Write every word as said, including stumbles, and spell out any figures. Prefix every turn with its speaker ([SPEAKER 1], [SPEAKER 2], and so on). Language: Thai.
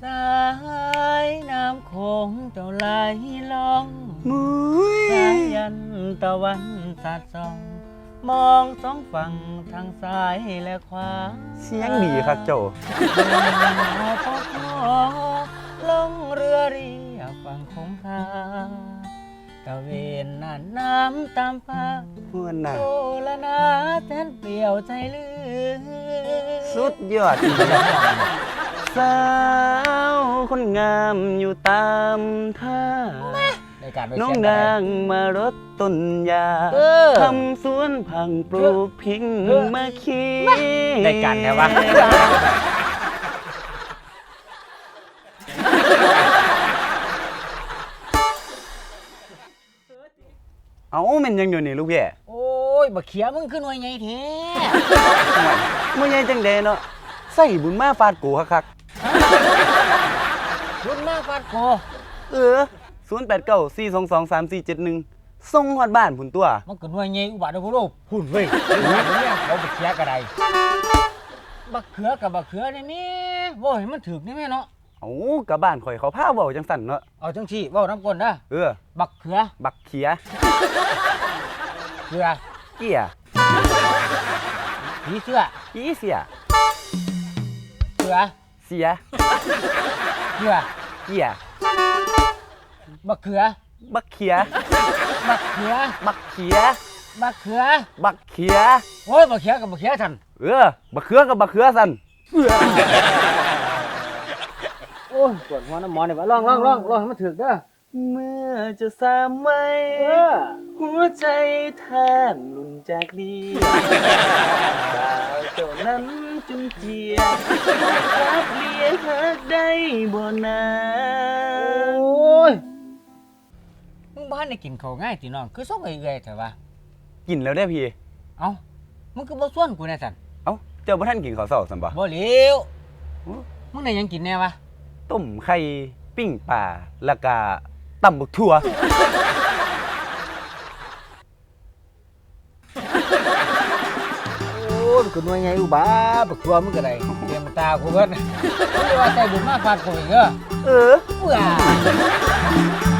[SPEAKER 1] สายน้ำโขงเจ้าไหลล่อง
[SPEAKER 2] มุ้
[SPEAKER 1] สายยันตะวันสาดส่อง มองสองฝั่งทางซ้ายและขวา
[SPEAKER 2] เสียงดีครับโจ
[SPEAKER 1] พอพอลงเรือเรียบฝั่งคงคาตะเวนน่านน้ำตามฟ้า
[SPEAKER 2] ม่วนน่ะ
[SPEAKER 1] โอละนาแสนเปลี่ยวใจลือ
[SPEAKER 2] สุดยอดสาวคนงามอยู่ตามท่า
[SPEAKER 1] ในการไป
[SPEAKER 2] น้อง
[SPEAKER 1] เชีย
[SPEAKER 2] นางมารดต้นยา
[SPEAKER 1] เออ
[SPEAKER 2] ทำสวนผังปลูกพิง
[SPEAKER 1] เออ
[SPEAKER 2] มาคี
[SPEAKER 1] ในการแท้วะ
[SPEAKER 2] เอาแม่นยังอยู่นี่ลูกพี่
[SPEAKER 1] โอ้ยบักเขียมึงขึ้นไว้ไงแท้
[SPEAKER 2] มื่อไงจังเดเนาะใส่บุญมาฟาดกูคัก
[SPEAKER 1] รุ่นมากฟาดโก
[SPEAKER 2] ๆเออศูนย์ แปด เก้า สี่ สอง สอง สาม สี่ เจ็ด หนึ่งส่งฮอดบ้านพุ่นตัว
[SPEAKER 1] มันก็หน่วยไงอุบัติเหตุหุ่นเว้ยเนี่ยเขาบักเขียกระไดบักเขือกับบักเขือนี่แม่ว่าให้มันถึกนี่แม่เนาะ
[SPEAKER 2] เอากับบ้านข่อยเขาพาเว้าจังสั่นเนาะ
[SPEAKER 1] เอาจังที่ว่าน้ำก้นนะ
[SPEAKER 2] เออ
[SPEAKER 1] บักเขือ
[SPEAKER 2] บักเขีย
[SPEAKER 1] เขือ
[SPEAKER 2] เกีย
[SPEAKER 1] ผีเสื้อ
[SPEAKER 2] อีเสีย
[SPEAKER 1] เขือ
[SPEAKER 2] เสีย
[SPEAKER 1] เขือ
[SPEAKER 2] เกีย
[SPEAKER 1] บักเขือ
[SPEAKER 2] บักเขีย
[SPEAKER 1] บักเขือ
[SPEAKER 2] บักเขีย
[SPEAKER 1] บักเขือ
[SPEAKER 2] บักเขีย
[SPEAKER 1] โอ้ยบักเขือกับบักเขือทัน
[SPEAKER 2] เออ บักเขือกับบักเขือสั่น
[SPEAKER 1] โอ้ยปวดหัวน้ำหมอเนี่ยวะลองลองลองลองให้มันถึกเด้อ
[SPEAKER 2] เมื่อจะสามไว้
[SPEAKER 1] เออ
[SPEAKER 2] หัวใจแทบหลุนจากนี้สาวเจ้านั้นจุนเจียรักเลียหักได้บ่นา
[SPEAKER 1] โอ้ยมึงบ้านได้กินข้าวง่ายติน้องคือส่งเอื่อยๆเถอะวะ
[SPEAKER 2] กินแล้วได้อพี่
[SPEAKER 1] เอ้ามึงคือบ่ส่วนกูแน่สัน
[SPEAKER 2] เอ้า เจ้าบ่ทันกินข้าวเช้าซั่นบ่
[SPEAKER 1] บ่เหลียวมึงได้หยังกินแน่วะ
[SPEAKER 2] ต้มไข่ปิ้งปลาแล้วก็ตำบักถั่ว
[SPEAKER 1] โอ้ยกูหน่วยไงอุบาบักตัวมึงก็ได้เตรียมตากูเบิดมึงจะว่าใจบุญมากฟาดกูอีกเหรอ
[SPEAKER 2] เออ
[SPEAKER 1] เบื่อ